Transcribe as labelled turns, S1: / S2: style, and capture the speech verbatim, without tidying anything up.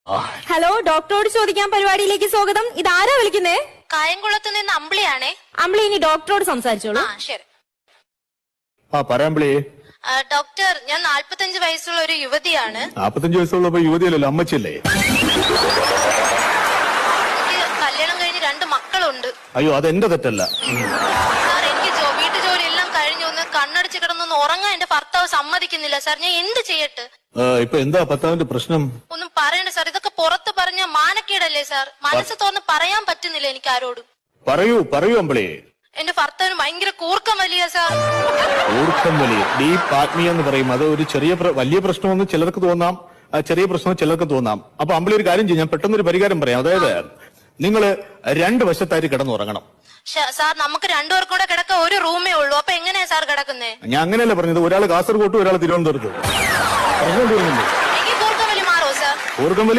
S1: Hello, ഡോക്ടറോട് ചോദിക്കാൻ പരിപാടിയിലേക്ക് സ്വാഗതം. ഇതാരാ വിളിക്കുന്നേ?
S2: കായംകുളത്ത് നിന്ന് അമ്പിളിയാണേ.
S1: അമ്പിളി, ഇനി ഡോക്ടറോട് സംസാരിച്ചോളൂ.
S2: ആ ശരി.
S3: ആ പറയാമ്പിളി.
S2: ഡോക്ടർ, ഞാൻ നാല്പത്തഞ്ച് വയസ്സുള്ള ഒരു യുവതിയാണ്.
S3: നാപ്പത്തഞ്ച് വയസ്സുള്ളപ്പോ യുവതിയല്ലല്ലോ, അമ്മച്ചല്ലേ?
S2: എനിക്ക് കല്യാണം കഴിഞ്ഞ് രണ്ട് മക്കളുണ്ട്.
S3: അയ്യോ, അതെന്റെ തെറ്റല്ല.
S2: സാർ, എനിക്ക് വീട്ടു ജോലി എല്ലാം കഴിഞ്ഞു ഒന്ന് കണ്ണടിച്ച് കിടന്നൊന്ന് ഉറങ്ങാൻ എന്റെ ഭർത്താവ് സമ്മതിക്കുന്നില്ല സാർ. ഞാൻ എന്ത് ചെയ്യട്ടെ?
S3: ഇപ്പൊ എന്താ ഭർത്താവിന്റെ പ്രശ്നം?
S2: ഒന്നും പറയണ്ട സാർ, ഇതൊക്കെ പുറത്ത് പറഞ്ഞ മാനക്കേടല്ലേ സാർ? മനസ്സ് തുറന്ന് പറയാൻ പറ്റുന്നില്ല എനിക്ക് ആരോടും.
S3: പറയൂ പറയൂ അമ്പിളി.
S2: എന്റെ ഭർത്താവിന് ഭയങ്കര കൂർക്കം വലിയ സാർ.
S3: കൂർക്കം വലിയ ഡീപ് ആത്മീയ എന്ന് പറയും. അത് ഒരു ചെറിയ വലിയ പ്രശ്നമെന്ന് ചിലർക്ക് തോന്നാം, ചെറിയ പ്രശ്നം ചിലർക്ക് തോന്നാം. അപ്പൊ അമ്പിളി ഒരു കാര്യം ചെയ്യും, ഞാൻ പെട്ടെന്നൊരു പരിഹാരം പറയാം. അതായത് നിങ്ങള് രണ്ട് വശത്തായിട്ട് കിടന്നുറങ്ങണം.
S2: സാർ, നമുക്ക് രണ്ടുപേർക്കും കൂടെ കിടക്ക ഒരു റൂമേ ഉള്ളൂ. അപ്പൊ എങ്ങനെയാ സാർ കിടക്കുന്നേ?
S3: ഞാൻ അങ്ങനെയല്ല പറഞ്ഞത്. ഒരാൾ കാസർഗോട്ടും ഒരാൾ തിരുവനന്തപുരത്തും.
S2: എനിക്ക് കൂർക്കം വലി മാറോ സാർ?
S3: കൂർക്കം വലി